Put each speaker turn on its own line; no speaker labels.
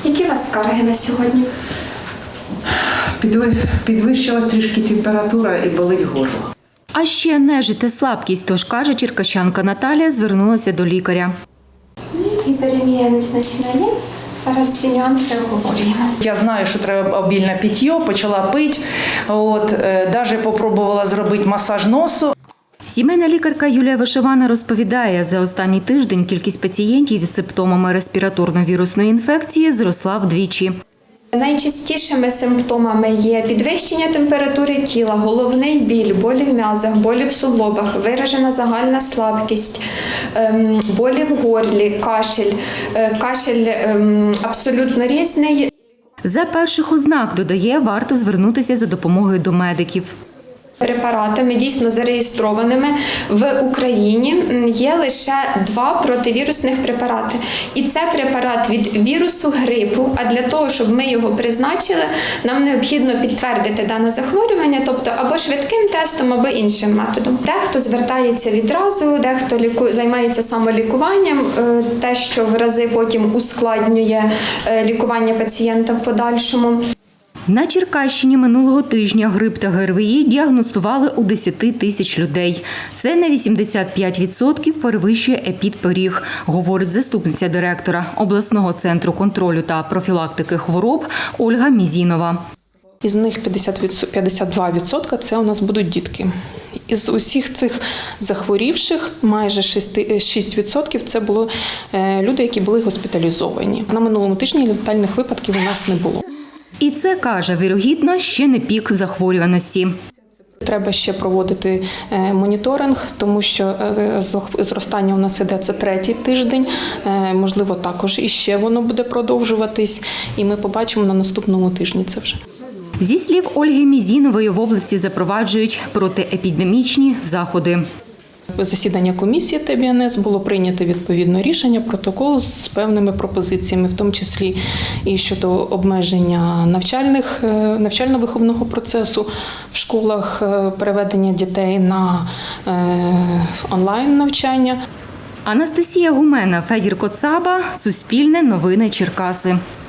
Які у вас скарги на сьогодні?
Підвищилась трішки температура і болить горло.
А ще нежить та слабкість, тож, каже черкащанка Наталія, звернулася до лікаря.
Гіперемія незначна є. Зараз всі нюанси обговорюємо.
Я знаю, що треба обільне питьо, почала пити. Навіть попробувала зробити масаж носу.
Сімейна лікарка Юлія Вишивана розповідає, за останній тиждень кількість пацієнтів із симптомами респіраторно-вірусної інфекції зросла вдвічі.
Найчастішими симптомами є підвищення температури тіла, головний біль, болі в м'язах, болі в суглобах, виражена загальна слабкість, болі в горлі, кашель. Кашель абсолютно різний.
За перших ознак, додає, варто звернутися за допомогою до медиків.
Препаратами, дійсно зареєстрованими в Україні, є лише 2 противірусних препарати. І це препарат від вірусу грипу, а для того, щоб ми його призначили, нам необхідно підтвердити дане захворювання, тобто або швидким тестом, або іншим методом. Дехто звертається відразу, дехто займається самолікуванням, те, що в рази потім ускладнює лікування пацієнта в подальшому.
На Черкащині минулого тижня грип та ГРВІ діагностували у 10 тисяч людей. Це на 85% перевищує епідпоріг, говорить заступниця директора обласного центру контролю та профілактики хвороб Ольга Мізінова.
Із них 52% – це у нас будуть дітки. Із усіх цих захворівших майже 6% – це були люди, які були госпіталізовані. На минулому тижні летальних випадків у нас не було.
І це, каже, вірогідно, ще не пік захворюваності.
Треба ще проводити моніторинг, тому що зростання у нас іде, це 3-й тиждень, можливо, також іще воно буде продовжуватись, і ми побачимо на наступному тижні це вже.
Зі слів Ольги Мізінової, в області запроваджують протиепідемічні заходи.
Засідання комісії ТБНС було прийнято відповідне рішення, протокол з певними пропозиціями, в тому числі і щодо обмеження навчально-виховного процесу в школах, переведення дітей на онлайн-навчання.
Анастасія Гумена, Федір Коцаба, Суспільне новини Черкаси.